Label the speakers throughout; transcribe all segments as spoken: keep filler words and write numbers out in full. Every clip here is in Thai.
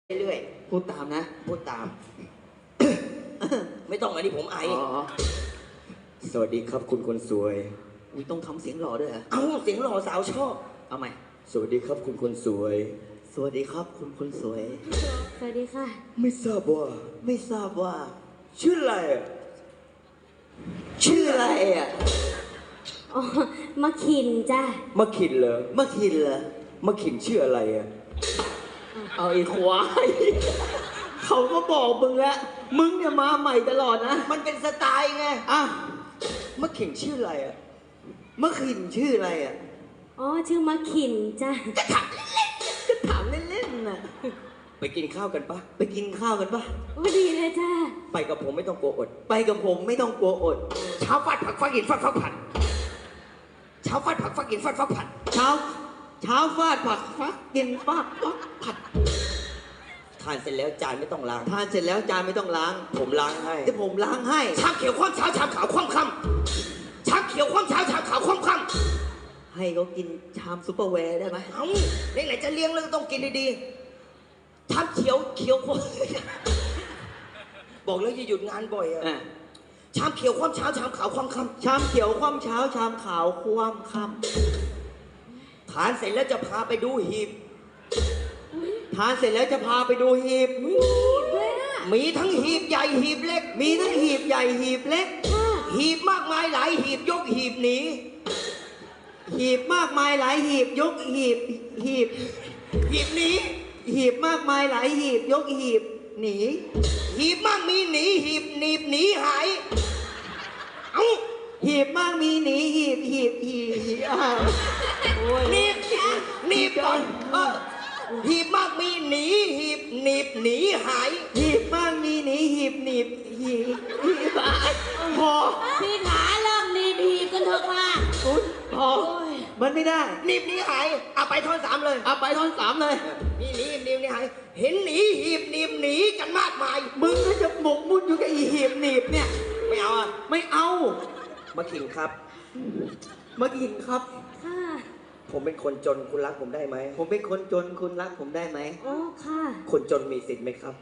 Speaker 1: เรื่อย
Speaker 2: พูดตามนะ
Speaker 1: พูดตาม ไม่ต้องอันนี้ผมไอ
Speaker 2: อ๋อ
Speaker 3: สวัสดีครับคุณคนสวย
Speaker 2: อุ๊ยต้องทำเสียงหล่อด้วยเหรอ
Speaker 1: เอ้าเสียงหล่อสาวชอบ
Speaker 2: เอาใหม่
Speaker 3: สวัสดีครับคุณคนสวย
Speaker 2: สวัสดีครับคุณคนสวย
Speaker 4: สวัสดีค่ะ
Speaker 3: ไม่ทราบว่า
Speaker 2: ไม่ทราบว่า
Speaker 3: ชื่ออะไรอะ
Speaker 2: ชื่ออะไรอ่ะ
Speaker 4: อ๋อ มาขินจ้ะ
Speaker 3: มะขินเหรอ
Speaker 2: มะขินเหรอ
Speaker 3: มะขินชื่ออะไรอะ
Speaker 2: เอาไอ้ควายเขาก็บอกมึงแล้วมึงเนี่ยมาใหม่ตลอดนะ
Speaker 1: มันเป็นสไตล์ไง
Speaker 2: อ่ะ
Speaker 3: มะขินชื่ออะไรอะ
Speaker 2: มะขินชื่ออะไรอ่ะ
Speaker 4: อ๋อ ชื่อมาขินจ้ะ
Speaker 2: ก็ถามเล่นๆน่ะ
Speaker 3: ไปกินข้าวกันปะ
Speaker 2: ไปกินข้าวกันปะ
Speaker 4: โอ้ดีเลยจ้ะ
Speaker 3: ไปกับผมไม่ต้องกลัวอด
Speaker 2: ไปกับผมไม่ต้องกลัวอด
Speaker 1: เช้าฟาดผักฟักหินฟาดฟักผัดเช้าฟาดผักฟักหินฟาดฟักผัด
Speaker 2: เช้า เช้าฟาดผักฟักกินฟาดฟักผัด
Speaker 1: ทานเสร็จแล้วจานไม่ต้องล้าง
Speaker 2: ทานเสร็จแล้วจานไม่ต้องล้าง
Speaker 1: ผมล้างให้
Speaker 2: เดี๋ยวผมล้างให้
Speaker 1: ชามเขียวคว่ำเช้าชามขาวคว่ำค่ำชามเขียวคว่ำเช้าชามขาวคว่ำค่ำ
Speaker 2: ให้เขากินชามซุปเปอร์แวร์ได้ไหม
Speaker 1: เอ้าไหนๆจะเลี้ยงแล้วก็ต้องกินดีๆชามเขียวเขียวคว่ำบอกแล้วอย่าหยุดงานบ่อยอะ
Speaker 2: อ่ะ
Speaker 1: ชามเขียวคว่ำเช้าชามขาวคว่ำค่ำ
Speaker 2: ชามเขียวคว่ำเช้าชามขาวคว่ำค่
Speaker 1: ทานเสร็จแล้วจะพาไปดูหีบ
Speaker 2: ำทานเสร็จแล้วจะพาไปดูหีบ
Speaker 4: ด้วยอ่ะ
Speaker 1: มีทั้งหีบใหญ่หีบเล็ก
Speaker 2: มีทั้งหีบใหญ่หีบเล็ก
Speaker 4: ค่ะ
Speaker 1: หีบมากมายหลายหีบยกหีบหนี
Speaker 2: หีบมากมายหลายหีบยกหีบหีบ
Speaker 1: หีบหนี
Speaker 2: หีบมากมายหลายหีบยกหีบหนี
Speaker 1: หีบมากมีหนีหีบหนีบหนีหายเอ้า
Speaker 2: หีบมากมีหนีหีบหีบหีบหีบอ้าวโอ้ย
Speaker 1: หนีบหนีบก่อนเออหีบมากมีหนีหีบหนีบหนีหาย
Speaker 2: หีบมากมีหนีหีบหนีบหีบหีบอ้าวพอ
Speaker 4: พี่ขาเริ่มดีดีกันเถอะค่ะ
Speaker 2: อุ๊ยพอมันไม่ได้
Speaker 1: หนีบหนีหายเอาไปท่อนสามเลย
Speaker 2: เอาไปท่อนสามเลย
Speaker 1: มีหนีหนีบหนีหายเห็นหนีหีบหนีบหนีกันมากมาย
Speaker 2: มึงก็จะหมกมุ่นอยู่กับอีหีบหนีบเนี่ย
Speaker 1: ไม่เอาอะ
Speaker 2: ไม่เอา
Speaker 1: มาขิงครับ
Speaker 2: มากินครับ
Speaker 4: ค่ะ
Speaker 1: ผมเป็นคนจนคุณรักผมได้ไหม
Speaker 2: ผมเป็นคนจนคุณรักผมได้ไหม
Speaker 4: อ๋อ ค่ะ
Speaker 1: คนจนมีสิทธิ์ไหมครับ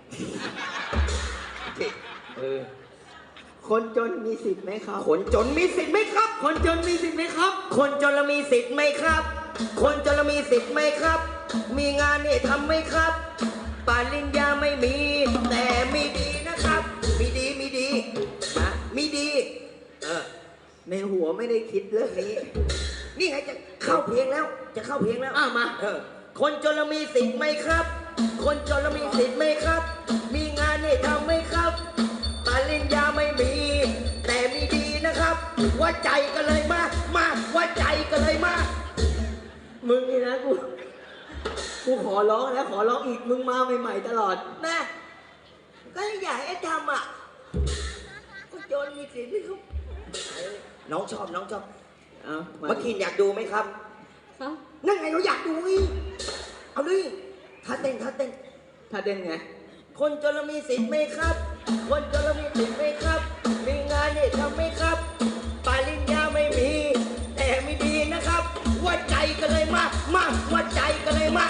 Speaker 1: เออ
Speaker 2: คนจนมีสิทธิ์ไหมครับ
Speaker 1: คนจนมีสิทธิ์ไหมครับ
Speaker 2: คนจนมีสิทธิ์ไหมครับ
Speaker 1: คนจนละมีสิทธิ์ไหมครับ คนจนละมีสิทธิ์ไหมครับ มีงานนี่ทำไหมครับปริญญาไม่มี แต่มีดีนะครับ มีดีมีดีนะมีดี เออ
Speaker 2: ในหัวไม่ได้คิดเรื่องนี้
Speaker 1: นี่ไงจะเข้าเพลงแล้ว จะเข้าเพลงแล้ว
Speaker 2: อ้าวมา
Speaker 1: เออ คนจนละมีสิทธิ์ไหมครับ คนจนละมีสิทธิ์ไหมครับ มีงานนี่ทำไหมครับปริญญาไม่มี แต่มีดีนะครับว่าใจกันเลยมา มาว่าใจกันเลยมา
Speaker 2: มึงนี่นะกู กูขอร้องแล้วขอร้องอีกมึงมาใหม่ๆตลอด
Speaker 1: แม่ก็อยากให้ทำอ่ะก็โจรมีสิทธิ์ไหมครับน้องชอบน้องชอบ
Speaker 2: เอามา
Speaker 1: เมื่อกี้อยากดูไหมครับ
Speaker 4: ครับ
Speaker 1: นั่นไงเราอยากดูอีกเอาเลยท่าเต้นท่าเต้น
Speaker 2: ถ้าเด่นไง
Speaker 1: คนจนมีสิทธิ์ไหมครับ คนจนมีสิทธิ์ไหมครับ มีงานนี่ทำไหมครับปริญญาไม่มี แต่มีดีนะครับ ว่าใจกันเลยมา มาว่าใจกันเลยมา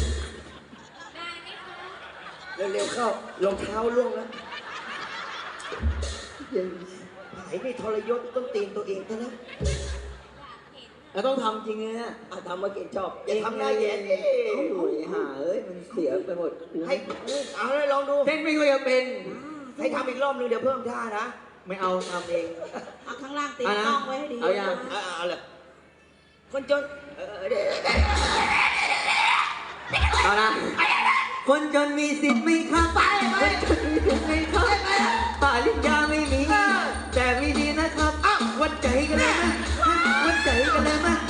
Speaker 1: เร็วๆเข้ารองเท้าล่วงแล้ว
Speaker 2: ยัง
Speaker 1: ไอ้นี่ทรยศต้นตีนตัวเองซะแล้ว
Speaker 2: เราต้องทำจริงเลยนะ
Speaker 1: อาทำมาเก่งชอบอย่าทำหน้าแย่เอ้
Speaker 2: โอ้ยห่าเอ้ยมันเสียไปหมด
Speaker 1: ให้เอาเลยลองดู
Speaker 2: เต้นไม่ค่อยจะเป็น
Speaker 1: ให้ทำอีกรอบนึงเดี๋ยวเพิ่มท่านะ
Speaker 2: ไม่เอาทำเอง
Speaker 4: เอาข้างล่างตี
Speaker 2: เอานะ
Speaker 4: น่องไว้ให้ดี
Speaker 2: เอายัง
Speaker 1: เอาเอาเอาเลยคนจนเออเดี๋ยว
Speaker 2: เอาละคนจนมีสิทธิ์ไหมครับไปคนจนมีสิทธิ์ไหมครับปริญญาไม่มี แต่มีดีนะครับอ้าววัดใจกันเลยมั้ยวัดใจกันเลยมั้ย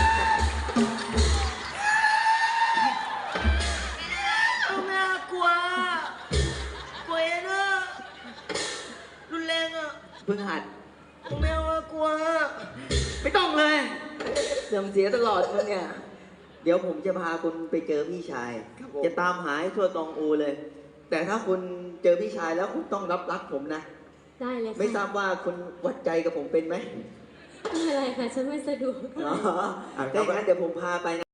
Speaker 1: เอาแม่กลัวกลัวเองอะรุนแรงอะ
Speaker 2: เพิ่งหัด
Speaker 1: เอาแม่ว่ากลัว
Speaker 2: ไม่ต้องเลยเสื่อมเสียตลอดมึงเนี่ย เดี๋ยวผมจะพาคุณไปเจอพี่ชาย จะตามหาให้ทั่วตองอูเลย แต่ถ้าคุณเจอพี่ชายแล้วคุณต้องรับรักผมนะ
Speaker 4: ได้เลยค่ะ
Speaker 2: ไม่ทราบว่าคุณวัดใจกับผมเป็นไหม
Speaker 4: ไม่เป็นไรค่ะ ฉันไม่สะดวก
Speaker 2: อ๋อถ้าอย่างนั้นเดี๋ยวผมพาไปนะ